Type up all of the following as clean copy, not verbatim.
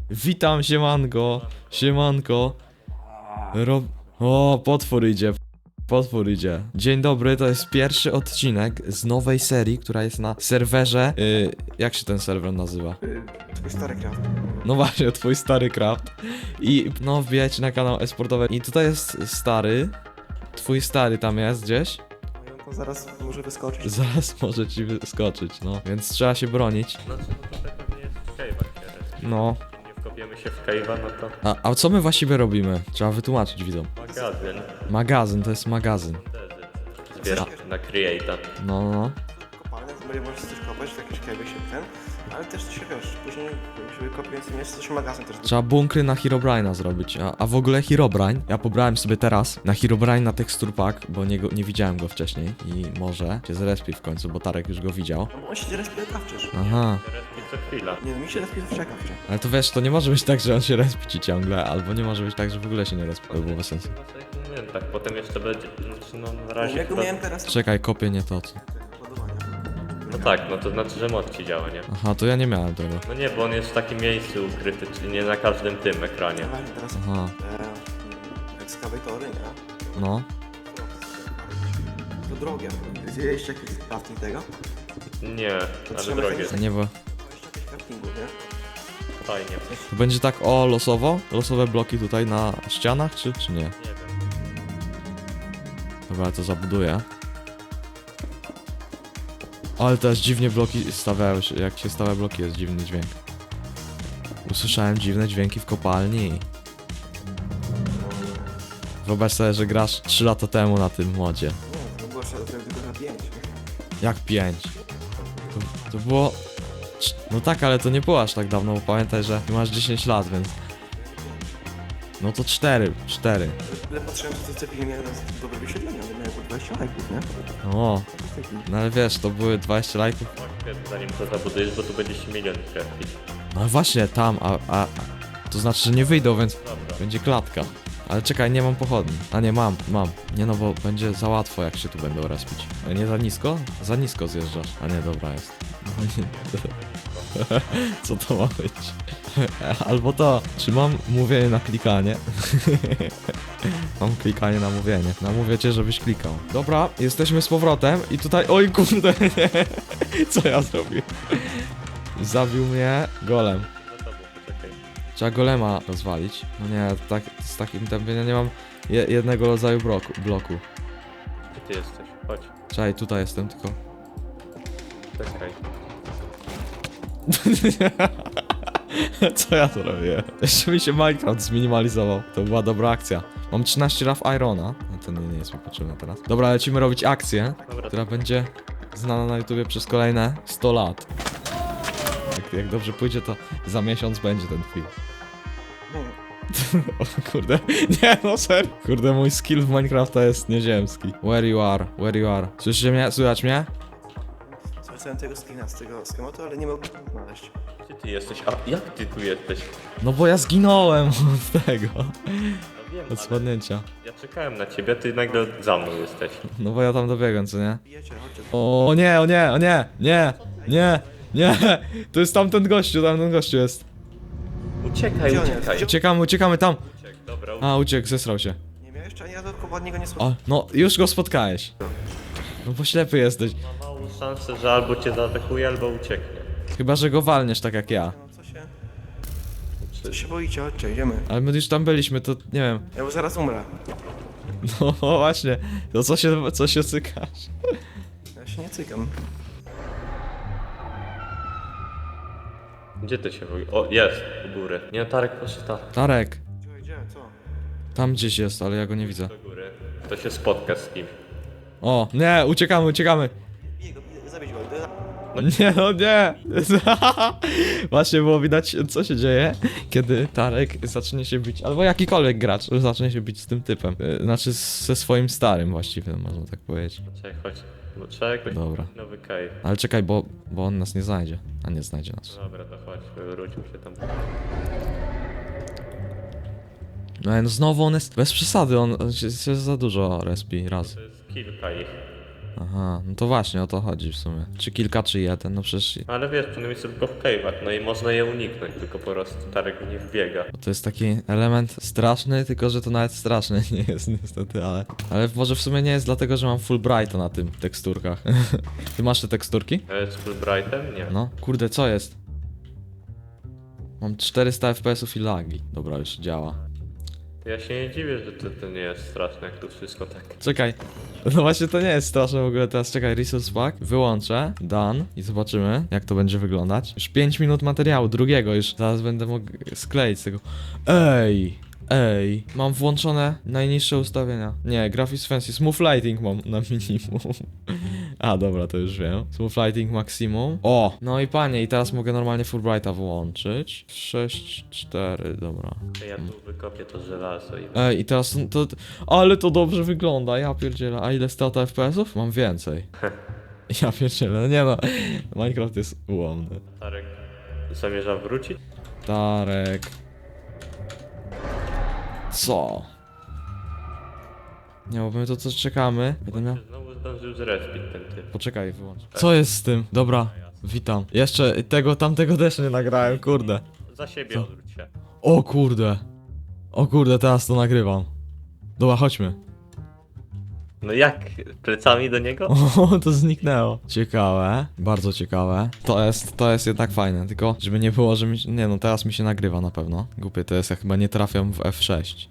Witam, siemanko. Siemanko. O, potwór idzie. Potwór idzie. Dzień dobry, to jest pierwszy odcinek z nowej serii, która jest na serwerze. Jak się ten serwer nazywa? Twój stary craft. No właśnie, twój stary craft. I no, wbijajcie na kanał esportowy. I tutaj jest stary. Twój stary tam jest gdzieś. No to zaraz może wyskoczyć. Zaraz może ci wyskoczyć, no. Więc trzeba się bronić. Znaczy, no to pewnie jest w cave'ach. No. Nie wkopiemy się w cave'a, no to A co my właściwie robimy? Trzeba wytłumaczyć widzom. magazyn. Magazyn, to jest magazyn. Zbiera na create'a. No. Kopalne, z możesz coś kopać, w jakieś kajby się ten, ale też się wiesz, później żeby kopiąc jest coś magazyn też. Trzeba bunkry na Herobrine'a zrobić, a w ogóle Herobrine, ja pobrałem sobie teraz na Herobrine na texture pack, bo nie widziałem go wcześniej i może się zrespi w końcu, bo Tarek już go widział. No bo on się respie przecież. Aha, Respi co chwila. Nie no, mi się respie zawsze. ale to wiesz, to nie może być tak, że on się respi ci ciągle, albo nie może być tak, że w ogóle się nie respi, to by było bez sensu. No nie wiem, tak potem jeszcze będzie, znaczy no na razie Jak go chyba... miałem teraz Czekaj, kopię nie to. ładowania. No tak, no to znaczy, że mod ci działa, nie? Aha, to ja nie miałem tego. No nie, bo on jest w takim miejscu ukryty, czyli nie na każdym tym ekranie. Właśnie teraz Aha, ekskawatory, nie? no. To drogie. Widzieliście jakiś crafting tego? Nie, ale trzeba drogie. mechanicznie- Nie, bo Jeszcze jakieś craftingu, nie? Fajnie. to będzie tak o losowo? Losowe bloki tutaj na ścianach, czy nie? Nie wiem. Dobra, to zabuduję. Ale teraz dziwnie bloki stawiają się, jak się stawia bloki jest dziwny dźwięk. Usłyszałem dziwne dźwięki w kopalni. Wyobraź sobie, że grasz 3 lata temu na tym modzie. Nie, to było jeszcze tylko na 5. Jak 5? To było... No tak, ale to nie było aż tak dawno, bo pamiętaj, że ty masz 10 lat, więc... No to 4. Ale patrzyłem, że to cepili miałem dobre wyświetlenia, one miały po 20 lajków, nie? O, To jest taki... no ale wiesz, to były 20 lajków. Zanim to zabudujesz, bo tu będzie się milion kreski. No właśnie, tam, to znaczy, że nie wyjdą, więc Dobra. będzie klatka. Ale czekaj, nie mam pochodni. A nie, mam. Nie no, bo będzie za łatwo, jak się tu będą respić. Nie za nisko? Za nisko zjeżdżasz. A nie, dobra jest. No nie. Co to ma być? Albo to, czy mam mówienie na klikanie? Mam klikanie na mówienie. Namówię cię, żebyś klikał. Dobra, jesteśmy z powrotem i tutaj... Oj kurde, nie. Co ja zrobiłem? Zabił mnie golem. Za tobą, poczekaj. Trzeba golema rozwalić. No nie, tak, z takim tempem ja nie mam jednego rodzaju bloku. Gdzie ty jesteś? Chodź. Czekaj, tutaj jestem tylko. Czekaj. Co ja to robię? Jeszcze mi się Minecraft zminimalizował. To była dobra akcja. Mam 13 Rough Irona. No to nie jest mi potrzebne teraz. Dobra, lecimy robić akcję, Dobra, która będzie znana na YouTubie przez kolejne 100 lat. Jak dobrze pójdzie, to za miesiąc będzie ten film. O kurde, nie no serio. Kurde, mój skill w Minecrafta jest nieziemski. Where you are? Słyszycie mnie? Słychać mnie? Zwracałem tego screena z tego schematu, ale nie mogłem znaleźć. gdzie ty jesteś? A jak ty tu jesteś? No bo ja zginąłem od tego. No wiem, Od ale spadnięcia. ja czekałem na ciebie, ty nagle za mną jesteś. No bo ja tam dobiegłem, co nie? Bijecie, chodźcie. O nie, nie. To jest tamten gościu jest. Uciekaj, Gdzie on jest? uciekaj. Uciekamy tam. Uciek, dobra, A, uciekł, zesrał się. Nie miałeś jeszcze ani razu od niego nie O, słyszałem. no, już go spotkałeś. No bo ślepy jesteś. ma małą szansę, że albo cię zaatakuje, albo ucieknie. Chyba, że go walniesz tak jak ja. No co się boicie, chodźcie, idziemy. Ale my już tam byliśmy, to nie wiem. Ja bo zaraz umrę. No właśnie, to co się cykasz? Ja się nie cykam. Gdzie ty się w ogóle... O, jest, u góry. Nie, Tarek, proszę tam. Tarek, Gdzie, co? tam gdzieś jest, ale ja go nie widzę. Do góry. To się spotka z kimś. O, nie, uciekamy. Bije go, zabić go. Nie, no nie. Właśnie było widać, co się dzieje, kiedy Tarek zacznie się bić, albo jakikolwiek gracz zacznie się bić z tym typem. Znaczy ze swoim starym właściwie, można tak powiedzieć. Czekaj, chodź. Bo trzeba jakoś... Dobra. Nowy cave. Ale czekaj, bo on nas nie znajdzie, a nie znajdzie nas. Dobra, to chodź, wrócił się tam. No znowu on jest, bez przesady, on się za dużo respi raz. To jest kilka ich. Aha, no to właśnie o to chodzi w sumie. Czy kilka, czy jeden, no przecież... Ale wiesz, przynajmniej są tylko w cave'ach, no i można je uniknąć, tylko po prostu Tarek w nich wbiega. Bo to jest taki element straszny, tylko że to nawet straszny nie jest niestety, ale... Ale może w sumie nie jest dlatego, że mam Fulbrighta na tym teksturkach. Ty masz te teksturki? Z Fulbrightem? Nie. No. Kurde, co jest? Mam 400 FPS-ów i lagi. Dobra, już działa. Ja się nie dziwię, że to nie jest straszne, jak tu wszystko tak. Czekaj. No właśnie to nie jest straszne w ogóle teraz. Czekaj, resource pack. Wyłączę. Done. I zobaczymy, jak to będzie wyglądać. Już 5 minut materiału, drugiego już. Zaraz będę mógł skleić z tego. Ej! Ej, mam włączone najniższe ustawienia. Nie, Graphics Fancy, Smooth Lighting mam na minimum. A, dobra, to już wiem. Smooth Lighting Maximum. O! No i panie, i teraz mogę normalnie Fulbrighta włączyć. 6.4, dobra. Ja tu wykopię to żelazo i... Ej, i teraz to... Ale to dobrze wygląda, ja pierdzielę. A ile strata FPS-ów? Mam więcej. Ja pierdzielę, no nie no. Minecraft jest ułomny. Tarek zamierza wrócić? Tarek. Co? Nie, bo my to co czekamy. Będę miał... Znowu zdążył zrespić ten typ. Poczekaj, wyłącz. Co jest z tym? Dobra, witam. Jeszcze tamtego też nie nagrałem, kurde. Za siebie Co? odwróć się. O kurde. O kurde, teraz to nagrywam. Dobra, chodźmy. No jak? Plecami do niego? O, to zniknęło. Ciekawe, bardzo ciekawe. To jest jednak fajne, tylko żeby nie było, że mi... Nie no, teraz mi się nagrywa na pewno. Głupie to jest, ja chyba nie trafiam w F6.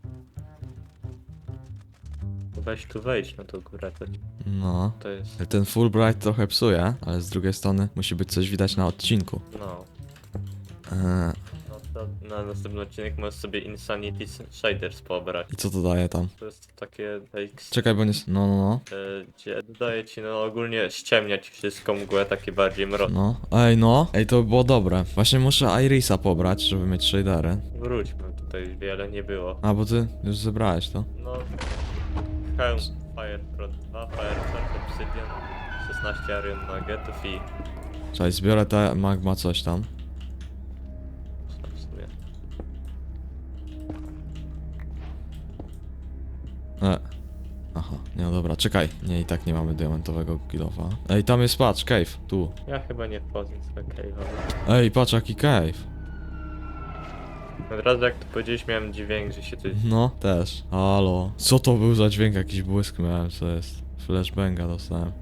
Weź tu wejść na tą górę. No. To jest... Ten Fulbright trochę psuje, ale z drugiej strony musi być coś widać na odcinku. No. Eee, No to na następny odcinek możesz sobie Insanity Shaders pobrać. I co to daje tam? To jest takie... Czekaj, bo nie... No. Gdzie daje ci no ogólnie ściemniać wszystko, mgłę takie bardziej mroczne. No. Ej, to by było dobre. Właśnie muszę Irisa pobrać, żeby mieć shadery. Wróćmy, tutaj wiele nie było. A, bo ty już zebrałeś to. No... Helm Fire Pro 2, Fire Charge Obsidian, 16 Iron Nuggetów i... Czekaj, zbiorę te magma coś tam. w sumie. Aha, nie no dobra, czekaj. Nie, i tak nie mamy diamentowego kilofa. Ej, tam jest, patrz, cave, tu. Ja chyba nie wchodzę z cave'a. Ej, patrz, jaki cave. Od razu jak to powiedziałeś, miałem dźwięk, że się coś... No, też. Halo. Co to był za dźwięk? Jakiś błysk miałem, co jest? Flashbanga dostałem.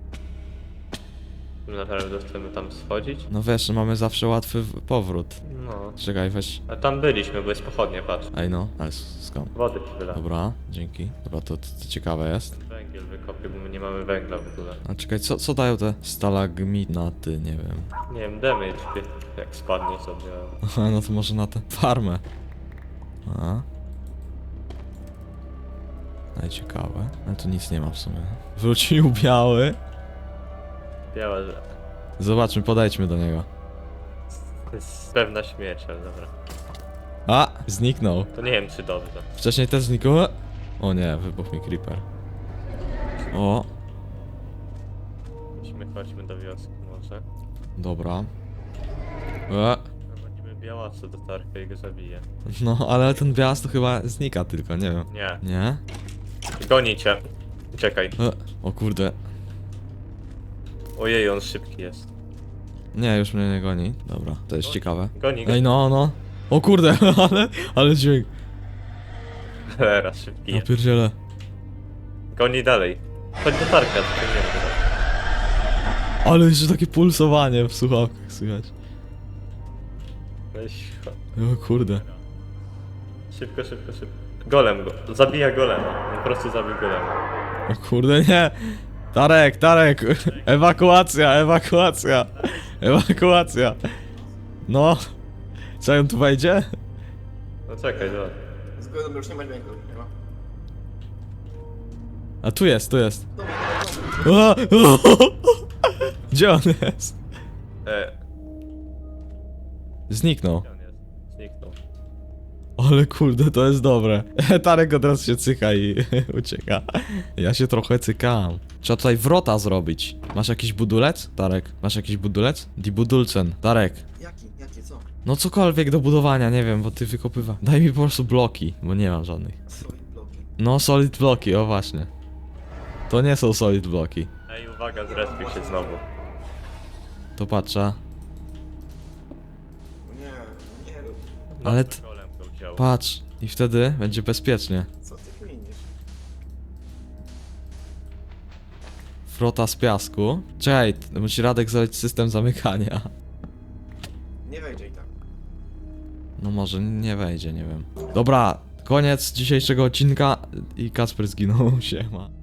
Naprawdę chcemy tam schodzić? No wiesz, mamy zawsze łatwy powrót. No. Czekaj, weź. A tam byliśmy, bo jest pochodnie, patrz. Ej no, ale skąd? Wody ci wyla. Dobra, dzięki. Dobra, to ciekawe jest. Węgiel wykopię, bo my nie mamy węgla w ogóle. A czekaj, co dają te stalagminaty? Nie wiem. Nie wiem, damage, jak spadnie sobie. Aha, no to może na tę farmę. A. Ale ciekawe. Ale tu nic nie ma w sumie. Wrócił biały. Biała, że... Zobaczmy, podejdźmy do niego. To jest pewna śmierć, ale dobra. A! Zniknął. To nie wiem, czy dobrze. Wcześniej też zniknął. O nie, wybuchł mi creeper. O, Chodźmy do wioski może. dobra. Prowadzimy białasa do Tarka i go zabije. No, ale ten białas to chyba znika tylko, nie wiem. Nie. Nie? Goni cię. Czekaj. O kurde. Ojej, on szybki jest. Nie, już mnie nie goni. Dobra, to jest ciekawe. Goni go. Ej, no. O kurde, ale dźwięk. Teraz szybki Ja jest. pierdzielę. Goni dalej. Chodź do Tarka, tylko nie wiem. Ale jeszcze takie pulsowanie w słuchawkach słychać. Weź. O kurde. Szybko. Golem go. Zabija golema. Po prostu zabił golema. O kurde, nie. Tarek. Ewakuacja. No. Co on tu wejdzie? No czekaj, dobra. Zgodę, już nie ma dźwięku, nie ma. A tu jest. O! Gdzie on jest? Gdzie Zniknął. on jest? Zniknął. Ale kurde, to jest dobre. Tarek od razu się cyka i ucieka. Ja się trochę cykam. Trzeba tutaj wrota zrobić. Masz jakiś budulec? Tarek, masz jakiś budulec? Die Budulcen. Tarek. Jaki, co? No cokolwiek do budowania, nie wiem, bo ty wykopywa. Daj mi po prostu bloki, bo nie mam żadnych. Solid bloki. No, solid bloki, o właśnie. To nie są solid bloki. Ej, uwaga, zrespił się znowu. To patrzę. Nie, nie rób. Ale Nad golem go wziął. Patrz. I wtedy będzie bezpiecznie. Co ty kminisz? Frota z piasku. Czekaj, musi Radek zrobić system zamykania. Nie wejdzie i tak. No może nie wejdzie, nie wiem. Dobra, koniec dzisiejszego odcinka i Kacper zginął, siema.